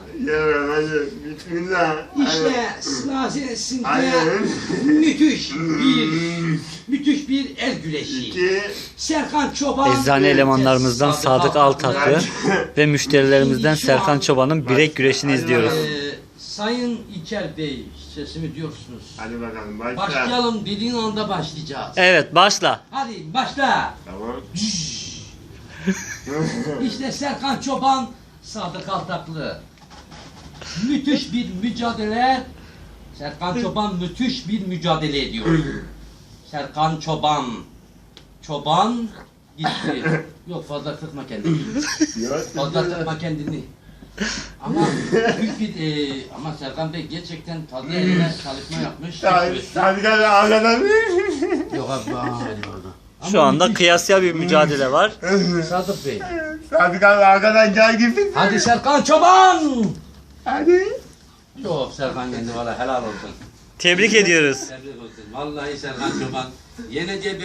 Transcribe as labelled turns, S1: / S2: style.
S1: Yavrum hadi. Bismillah.
S2: İşte sırasında
S1: Hayır.
S2: müthiş bir el güreşi.
S1: 2.
S2: Serkan Çoban.
S3: Eczane elemanlarımızdan Sadık Altaklı ve müşterilerimizden Serkan Çoban'ın bilek güreşini izliyoruz.
S2: Sayın İlker Bey, sesimi diyorsunuz.
S1: Hadi bakalım başla.
S2: Başlayalım dediğin anda başlayacağız.
S3: Evet, başla.
S2: Hadi başla.
S1: Tamam.
S2: İşte Serkan Çoban, Sadık Altaklı. Müthiş bir mücadele. Serkan Çoban müthiş bir mücadele ediyor. Serkan Çoban. Çoban gitti. Yok fazla kırma kendini. Fazla kırma kendini. Ama büyük bir ama Serkan Bey gerçekten fazla eline çalışma yapmış.
S1: Sadık abi arkadan.
S2: Yok abi.
S3: Şu anda kıyasya bir mücadele var.
S2: Sadık Bey.
S1: Sadık abi arkadan gel gibi.
S2: Hadi Serkan Çoban.
S1: Hadi.
S2: Yok Serkan yendi valla helal olsun.
S3: Tebrik ediyoruz.
S2: Tebrik olsun. Vallahi Serkan Çoban yeneceği